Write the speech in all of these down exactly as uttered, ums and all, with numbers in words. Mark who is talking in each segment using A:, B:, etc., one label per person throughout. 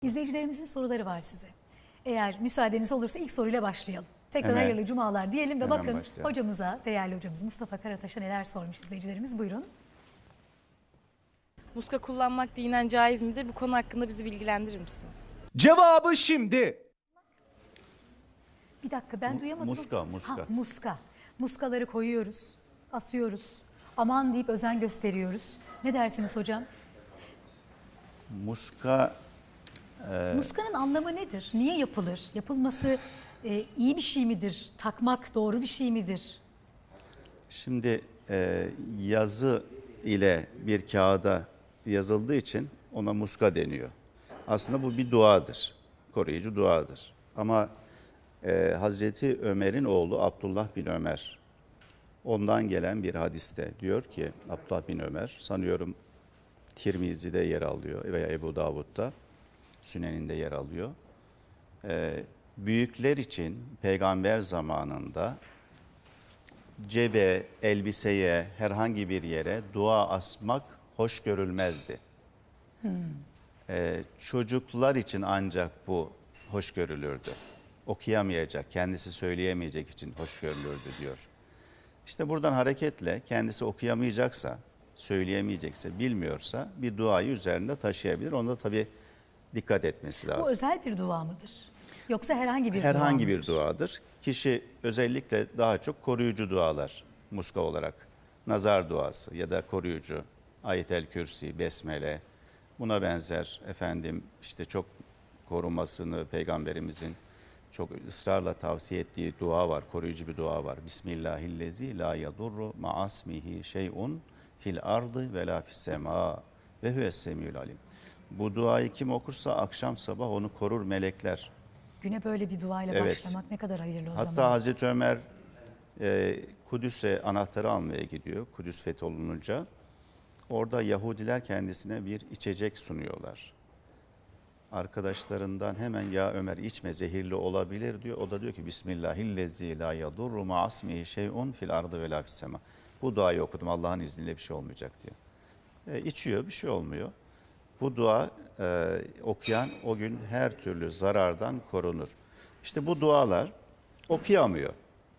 A: İzleyicilerimizin soruları var size. Eğer müsaadeniz olursa ilk soruyla başlayalım. Tekrar
B: Hemen.
A: hayırlı cumalar diyelim ve
B: Hemen
A: bakın
B: başlayalım.
A: hocamıza, değerli hocamız Mustafa Karataş'a neler sormuş izleyicilerimiz. Buyurun.
C: Muska kullanmak dinen caiz midir? Bu konu hakkında bizi bilgilendirir misiniz?
D: Cevabı şimdi.
A: Bir dakika ben duyamadım.
B: muska, muska.
A: Ha, muska. Muskaları koyuyoruz, asıyoruz. Aman deyip özen gösteriyoruz. Ne dersiniz hocam?
B: Muska
A: Muskanın anlamı nedir? Niye yapılır? Yapılması e, iyi bir şey midir? Takmak doğru bir şey midir?
B: şimdi e, yazı ile bir kağıda yazıldığı için ona muska deniyor. Aslında bu bir duadır. Koruyucu duadır. Ama e, Hazreti Ömer'in oğlu Abdullah bin Ömer, ondan gelen bir hadiste diyor ki, Abdullah bin Ömer sanıyorum Tirmizi'de yer alıyor veya Ebu Davud'da, Sünen'inde yer alıyor. Ee, büyükler için peygamber zamanında cebe, elbiseye, herhangi bir yere dua asmak hoş görülmezdi. Hmm. Ee, çocuklar için ancak bu hoş görülürdü. Okuyamayacak, kendisi söyleyemeyecek için hoş görülürdü diyor. İşte buradan hareketle kendisi okuyamayacaksa, söyleyemeyecekse, bilmiyorsa bir duayı üzerinde taşıyabilir. Onda tabii dikkat etmesi lazım.
A: Bu özel bir dua mıdır? Yoksa herhangi bir
B: Herhangi
A: dua
B: bir
A: mıdır?
B: duadır. Kişi özellikle daha çok koruyucu dualar muska olarak, nazar duası ya da koruyucu, Ayet-el Kürsi, Besmele, buna benzer efendim işte çok korunmasını peygamberimizin çok ısrarla tavsiye ettiği dua var, koruyucu bir dua var. Bismillahillezi la yadurru ma'asmihi şey'un fil ardı ve la fis sema ve huves semiyul alim. Bu duayı kim okursa akşam sabah onu korur melekler.
A: Güne böyle bir duayla
B: Evet.
A: başlamak ne kadar hayırlı o
B: Hatta
A: zaman.
B: Hazreti Ömer e, Kudüs'e anahtarı almaya gidiyor. Kudüs fetholununca. Orada Yahudiler kendisine bir içecek sunuyorlar. Arkadaşlarından hemen ya Ömer içme zehirli olabilir diyor. O da diyor ki Bismillahillezî la yadurru ma'asmihi şey'un fil ardı ve la fis sema. Bu duayı okudum, Allah'ın izniyle bir şey olmayacak diyor. E, içiyor, bir şey olmuyor. Bu dua e, okuyan o gün her türlü zarardan korunur. İşte bu dualar okuyamıyor.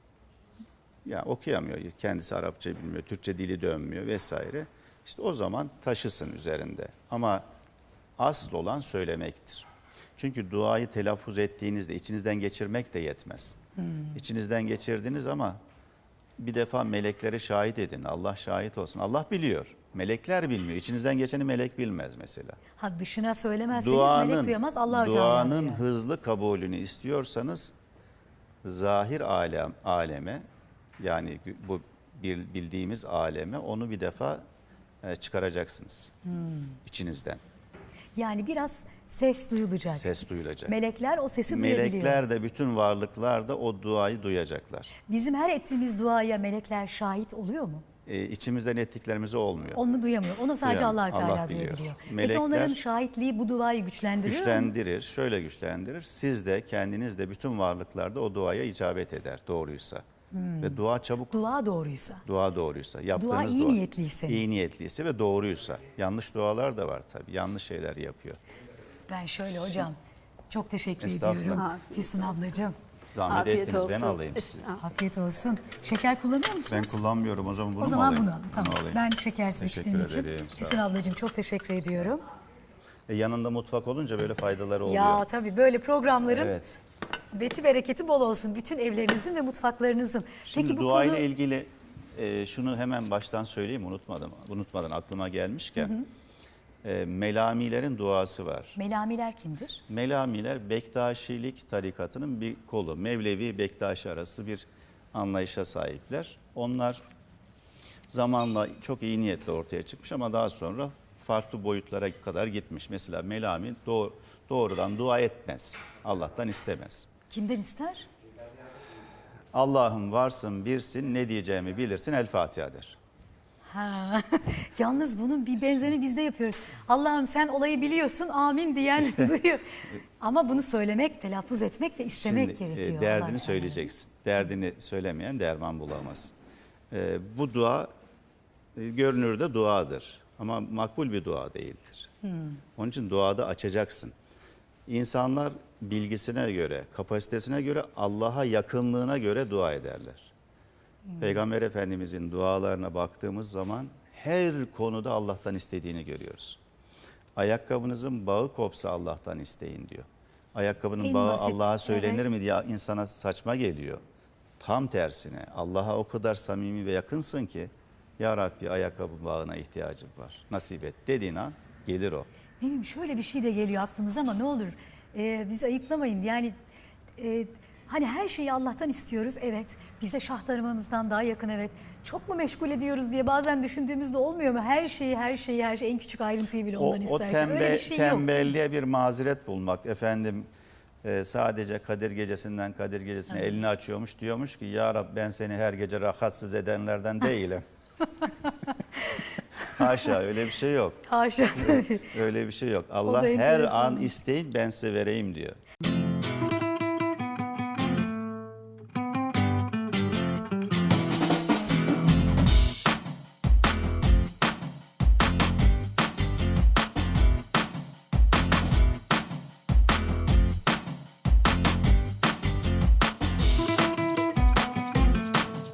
B: Ya okuyamıyor. Kendisi Arapça bilmiyor, Türkçe dili dönmüyor vesaire. İşte o zaman taşısın üzerinde. Ama asıl olan söylemektir. Çünkü duayı telaffuz ettiğinizde içinizden geçirmek de yetmez. Hmm. İçinizden geçirdiniz ama bir defa melekleri şahit edin. Allah şahit olsun. Allah biliyor. Melekler bilmiyor. İçinizden geçeni melek bilmez mesela.
A: Ha, dışına söylemezseniz melek duyamaz, Allah-u Teala
B: duanın
A: duyar.
B: hızlı kabulünü istiyorsanız zahir alem, aleme yani bu bildiğimiz aleme onu bir defa çıkaracaksınız hmm. içinizden.
A: Yani biraz ses duyulacak.
B: Ses duyulacak.
A: Melekler o sesi duyabiliyor.
B: Melekler de bütün varlıklar da o duayı duyacaklar.
A: Bizim her ettiğimiz duaya melekler şahit oluyor mu?
B: E, içimizden ettiklerimiz olmuyor.
A: Onu duyamıyor. Onu sadece
B: Duyamıyor.
A: Allah-u Teala
B: Allah biliyor.
A: duyabiliyor.
B: Melekler,
A: Peki onların şahitliği bu duayı güçlendiriyor
B: güçlendirir.
A: mu?
B: Şöyle güçlendirir. Siz de kendiniz de bütün varlıklarda o duaya icabet eder doğruysa. Hmm. Ve dua çabuk.
A: Dua doğruysa.
B: Dua doğruysa. Yaptığınız
A: dua iyi
B: dua,
A: niyetliyse.
B: İyi niyetliyse ve doğruysa. Yanlış dualar da var tabii. Yanlış şeyler yapıyor.
A: Ben şöyle hocam çok teşekkür
B: Estağfurullah.
A: ediyorum. Füsun ablacığım.
B: Zahmet
E: Afiyet
B: ettiniz ben
E: olsun.
B: alayım size.
A: Afiyet olsun. Şeker kullanıyor musunuz?
B: Ben kullanmıyorum, o zaman bunu
A: O
B: mu
A: zaman
B: alayım?
A: bunu alın. Tamam.
B: Bunu alayım.
A: Ben şekersiz
B: Teşekkür
A: içtiğim için.
B: ederim, sağ
A: Füsun
B: olun.
A: ablacığım çok teşekkür ediyorum.
B: E, yanında mutfak olunca böyle faydaları oluyor.
A: Ya tabii böyle programların
B: Evet.
A: beti bereketi bol olsun. Bütün evlerinizin ve mutfaklarınızın.
B: Şimdi
A: Peki bu
B: duayla
A: konu...
B: ilgili e, şunu hemen baştan söyleyeyim, unutmadım. Unutmadan aklıma gelmişken. Hı hı. E, Melamilerin duası var.
A: Melamiler kimdir?
B: Melamiler Bektaşilik tarikatının bir kolu. Mevlevi Bektaşi arası bir anlayışa sahipler. Onlar zamanla çok iyi niyetle ortaya çıkmış ama daha sonra farklı boyutlara kadar gitmiş. Mesela Melami doğ- doğrudan dua etmez. Allah'tan istemez.
A: Kimden ister?
B: Allah'ım varsın birsin, ne diyeceğimi bilirsin, El Fatiha der.
A: Ha. Yalnız bunun bir benzerini biz de yapıyoruz. Allah'ım sen olayı biliyorsun, amin diyen duyuyor. Ama bunu söylemek, telaffuz etmek ve istemek
B: Şimdi,
A: gerekiyor.
B: e, derdini
A: Allah
B: söyleyeceksin. Derdini söylemeyen derman bulamaz. E, bu dua e, görünürde duadır ama makbul bir dua değildir. Hmm. Onun için duada açacaksın. İnsanlar bilgisine göre, kapasitesine göre, Allah'a yakınlığına göre dua ederler. Peygamber Efendimizin dualarına baktığımız zaman her konuda Allah'tan istediğini görüyoruz. Ayakkabınızın bağı kopsa Allah'tan isteyin diyor. Ayakkabının
A: En
B: bağı
A: basit,
B: Allah'a söylenir
A: evet.
B: mi diye insana saçma geliyor. Tam tersine Allah'a o kadar samimi ve yakınsın ki ya Rabbi ayakkabı bağına ihtiyacım var. Nasip et dediğin an gelir o.
A: Ne bileyim, şöyle bir şey de geliyor aklımıza ama ne olur e, bizi ayıplamayın. Yani e, hani her şeyi Allah'tan istiyoruz, evet. Bize şah damarımızdan daha yakın, evet. Çok mu meşgul ediyoruz diye bazen düşündüğümüzde olmuyor mu? Her şeyi, her şeyi, her şeyi, en küçük ayrıntıyı bile
B: O,
A: ondan
B: o
A: isterken.
B: tembe,
A: Öyle bir şey yok.
B: tembelliğe bir mazeret bulmak. Efendim e, sadece Kadir Gecesi'nden Kadir Gecesi'ne
A: Evet.
B: elini açıyormuş, diyormuş ki ya Rab ben seni her gece rahatsız edenlerden değilim. Haşa, öyle bir şey yok.
A: Haşa tabii.
B: Öyle bir şey yok.
A: da
B: Allah her
A: enteresan.
B: an isteyin ben size vereyim diyor.